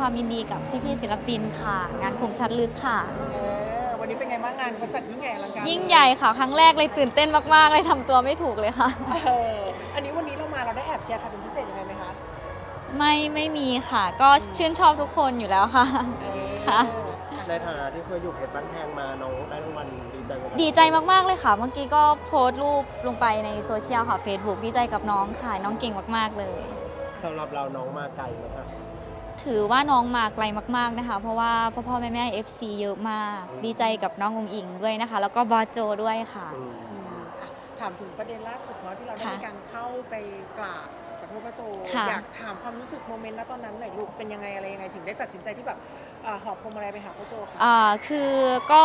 ความยินดีกับพี่ๆศิลปินค่ะงานคมชัดลึกค่ะวันนี้เป็นไงบ้างงานเขาจัดยิ่งใหญ่อลังการยิ่งใหญ่ค่ะครั้งแรกเลยตื่นเต้นมากๆเลยทำตัวไม่ถูกเลยค่ะอันนี้วันนี้เราได้แอบเชียร์ใครเป็นพิเศษยังไงไหมคะไม่มีค่ะก็ชื่นชอบทุกคนอยู่แล้วค่ะค่ะในฐานะที่เคยอยู่เพชรบ้านแพงมาน้องได้รางวัลดีใจไหมดีใจมากๆเลยค่ะเมื่อกี้ก็โพสต์รูปลงไปในโซเชียลค่ะ Facebook ดีใจกับน้องค่ะน้องเก่งมากๆเลยสำหรับเราน้องมาไกลไหมคะถือว่าน้องมาไกลมากๆนะคะเพราะว่าพ่อแม่ FC เยอะมากดีใจกับน้องอุ๋งอิงด้วยนะคะแล้วก็บอสโจด้วยค่ะถามถึงประเด็นล่าสุดเนาะที่เราได้มีการเข้าไปกราบขอโทษพระโจอยากถามความรู้สึกโมเมนต์ณตอนนั้นหน่อยลูกเป็นยังไงอะไรยังไงถึงได้ตัดสินใจที่แบบหอบพวงมาลัยไปหาพระโจค่ะคือก็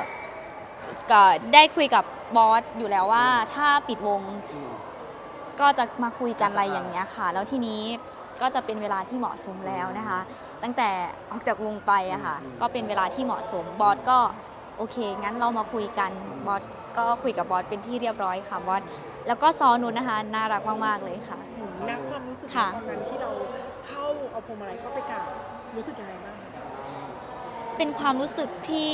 ได้คุยกับบอสอยู่แล้วว่าถ้าปิดวงก็จะมาคุยกันอะไรอย่างเงี้ยค่ะแล้วทีนี้ก็จะเป็นเวลาที่เหมาะสมแล้วนะคะตั้งแต่ออกจากวงไปอะค่ะก็เป็นเวลาที่เหมาะสมบอสก็โอเคงั้นเรามาคุยกันบอสก็คุยกับบอสเป็นที่เรียบร้อยค่ะบอสแล้วก็ซอนุชนะคะน่ารักมากๆเลยค่ะณความรู้สึกตอนนั้นที่เราเข้าเอาพวงมาลัยเข้าไปกราบรู้สึกยังไงบ้างเป็นความรู้สึกที่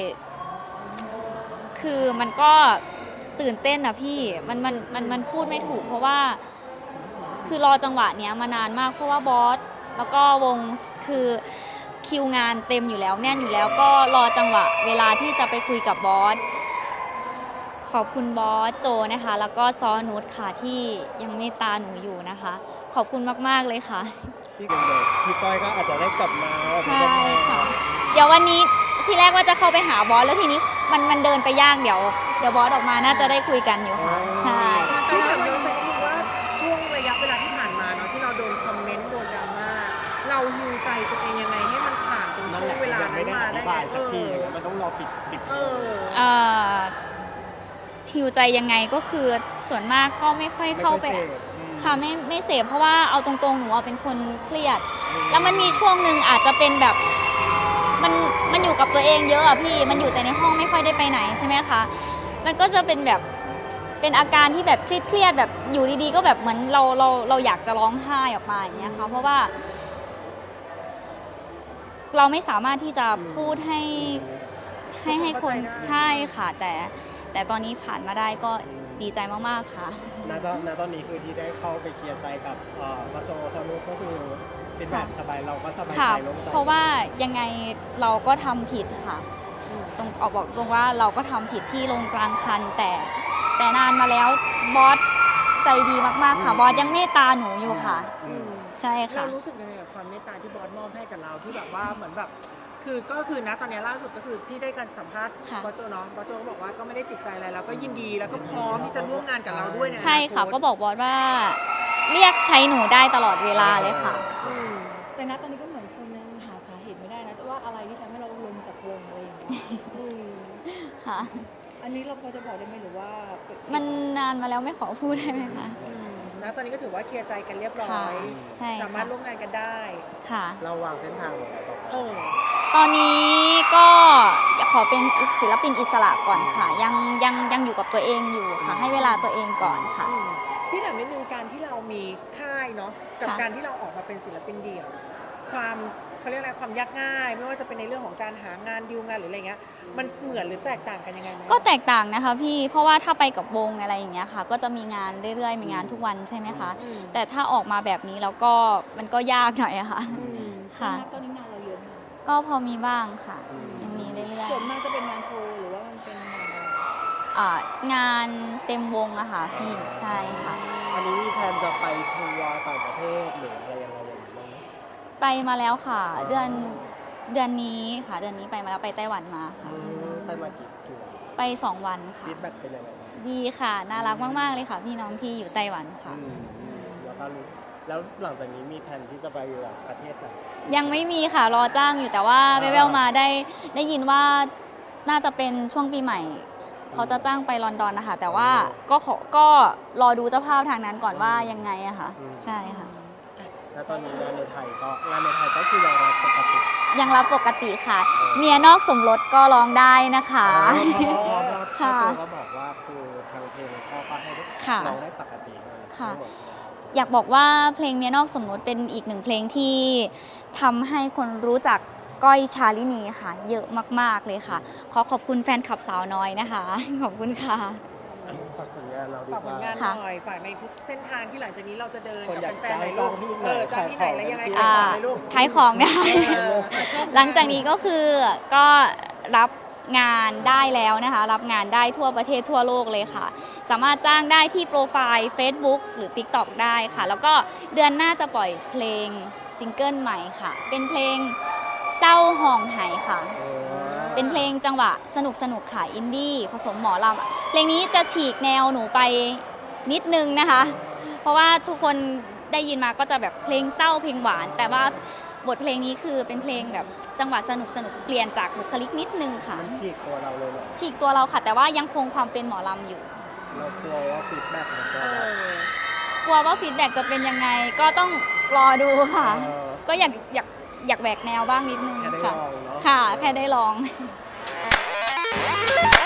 คือมันก็ตื่นเต้นนะพี่มันพูดไม่ถูกเพราะว่าคือรอจังหวะเนี้ยมานานมากเพราะว่าบอสแล้วก็วงคือคิวงานเต็มอยู่แล้วแน่นอยู่แล้วก็รอจังหวะเวลาที่จะไปคุยกับบอสขอบคุณบอสโจนะคะแล้วก็ซอนุชค่ะที่ยังเมตตาหนูอยู่นะคะขอบคุณมากๆเลยค่ะพี่ก้อยก็อาจจะได้กลับมาใช่ค่ะเดี๋ยววันนี้ที่แรกว่าจะเข้าไปหาบอสแล้วทีนี้มันเดินไปยากเดี๋ยวบอสออกมาน่าจะได้คุยกันอยู่ค่ะใช่พี่ถามย้อนจากนิดนึงว่าช่วงระยะเวลาที่ผ่านมาเนาะที่เราโดนคอมเมนต์โดนดราม่าเราฮิวใจตัวเองยังไงให้มันผ่านตรงช่วงเวลานั้นมาได้สักทีมันต้องรอปิดฮิวใจยังไงก็คือส่วนมากก็ไม่ค่อยเข้าไปค่ะไม่เสพเพราะว่าเอาตรงๆหนูเป็นคนเครียดแล้วมันมีช่วงหนึ่งอาจจะเป็นแบบมันอยู่กับตัวเองเยอะอะพี่มันอยู่แต่ในห้องไม่ค่อยได้ไปไหนใช่ไหมคะมันก็จะเป็นแบบเป็นอาการที่แบบเครียดแบบอยู่ดีๆก็แบบเหมือนเราอยากจะร้องไห้ออกมาอย่างเงี้ยค่ะเพราะว่าเราไม่สามารถที่จะพูดให้คนใช่ค่ะแต่ตอนนี้ผ่านมาได้ก็ดีใจมากๆค่ะณตอนนี้คือที่ได้เข้าไปเคลียร์ใจกับพระโจซานุก็คือเป็นแบบสบายเราก็สบายใจโล่งใจเพราะว่ายังไงเราก็ทำผิดค่ะตรงบอกตรงว่าเราก็ทำผิดที่ลงกลางคันแต่นานมาแล้วบอสใจดีมากๆค่ะบอสยังเมตตาหนูอยู่ค่ะใช่ค่ะเรารู้สึกยังไงกับความเมตตาที่บอสมอบให้กับเราที่แบบว่าเหมือนแบบก็คือนะตอนนี้ล่าสุดก็คือที่ได้การสัมภาษณ์บอสโจเนาะบอสโจก็บอกว่าก็ไม่ได้ติดใจอะไรแล้วก็ยินดีแล้วก็พร้อมที่จะร่วมงานกับเราด้วยใช่ค่ะก็บอกบอสว่าเรียกใช้หนูได้ตลอดเวลาเลยค่ะแต่ณตอนนี้ก็เหมือนคนยังหาสาเหตุไม่ได้นะว่าอะไรที่ทำให้เราลงจากวงอะไรอย่างเงี้ยค่ะอันนี้เราพอจะบอกได้ไหมหรือว่ามันนานมาแล้วไม่ขอพูดได้ไหมคะตอนนี้ก็ถือว่าเคลียร์ใจกันเรียบร้อยสามารถร่วมงานกันได้ค่ะเราวางเส้นทางของเราต่อไปตอนนี้ก็ขอเป็นศิลปินอิสระก่อนค่ะยังอยู่กับตัวเองอยู่ค่ะให้เวลาตัวเองก่อนค่ะพี่ถามนิดนึงการที่เรามีค่ายเนาะกับการที่เราออกมาเป็นศิลปินเดี่ยวความเขาเรียกอะไรความยากง่ายไม่ว่าจะเป็นในเรื่องของการหางานดีลงานหรืออะไรเงี้ยมันเหมือนหรือแตกต่างกันยังไงไหมก็แตกต่างนะคะพี่เพราะว่าถ้าไปกับวงอะไรอย่างเงี้ยค่ะก็จะมีงานเรื่อยๆมีงานทุกวันใช่ไหมคะแต่ถ้าออกมาแบบนี้แล้วก็มันก็ยากหน่อยอะค่ะค่ะตอนนี้งานเราเยอะไหมก็พอมีบ้างค่ะยังมีเรื่อยๆส่วนมากจะเป็นงานโชว์หรือว่ามันเป็นงานเต็มวงอะค่ะพี่ใช่ค่ะอันนี้มีแผนจะไปทัวร์ต่างประเทศหรืออะไรยังไงอย่างนี้บ้างไหมไปมาแล้วค่ะเดือนนี้ค่ะเดือนนี้ไปมาแล้วไปไต้หวันมาค่ะไปมากี่วันไป2 วันค่ะฟีดแบ็กเป็นยังไงดีค่ะน่ารักมากๆเลยค่ะพี่น้องที่อยู่ไต้หวันค่ะแล้วหลังจากนี้มีแผนที่จะไปประเทศไหนยังไม่มีค่ะรอจ้างอยู่แต่ว่าแววๆมาได้ยินว่าน่าจะเป็นช่วงปีใหม่เขาจะจ้างไปลอนดอนนะคะแต่ว่าก็รอดูเจ้าภาพทางนั้นก่อนว่ายังไงอะค่ะใช่ค่ะแล้วตอนนี้งานในไทยก็คือยังรับปกติค่ะเมียนอกสมรสก็ร้องได้นะคะค่ะก็บอกว่าคือทางเพลงพ่อก็ให้ร้องได้ปกติค่ะอยากบอกว่าเพลงเมียนอกสมรสเป็นอีกหนึ่งเพลงที่ทำให้คนรู้จักก้อยชาลินีค่ะ เยอะมากๆเลยค่ะ ขอขอบคุณแฟนคลับสาวน้อยนะคะ ขอบคุณค่ะฝากผลงานเราดีฝากกผลว่างานค่ะหน่อยฝากในทุกเส้นทางที่หลังจากนี้เราจะเดินคนอยากับกแฟนๆหน่อยลูกจ้างที่ไหนจ้างที่ไหนแล้วยังไงขายของขายของเลยลูกขายของนะเออหลังจากนี้ก็คือก็รับงานได้แล้วนะคะ รับงานได้ทั่วประเทศทั่วโลกเลยค่ะ สามารถจ้างได้ที่โปรไฟล์ Facebook หรือ TikTok ได้ค่ะ แล้วก็เดือนหน้าจะปล่อยเพลงซิงเกิลใหม่ค่ะ เป็นเพลงเศร้าห่องไหค่ะ เป็นเพลงจังหวะสนุกค่ะ อินดี้ผสมหมอลำเพลงนี้จะฉีกแนวหนูไปนิดนึงนะคะ เพราะว่าทุกคนได้ยินมาก็จะแบบเพลงเศร้าเพลงหวาน แต่ว่าบทเพลงนี้คือเป็นเพลงแบบจังหวะสนุกเปลี่ยนจากบุคลิกนิดนึงค่ะมันฉีกตัวเราเลยเหรอฉีกตัวเราค่ะ แต่ว่ายังคงความเป็นหมอลำอยู่เรากลัวว่าฟีดแบ็กมันจะเออกลัวว่าฟีดแบ็กจะเป็นยังไงก็ต้องรอดูค่ะเออก็อยากแหวกแนวบ้างนิดนึงแค่ได้ค่ะลองเนาะค่ะ แค่ได้ลอง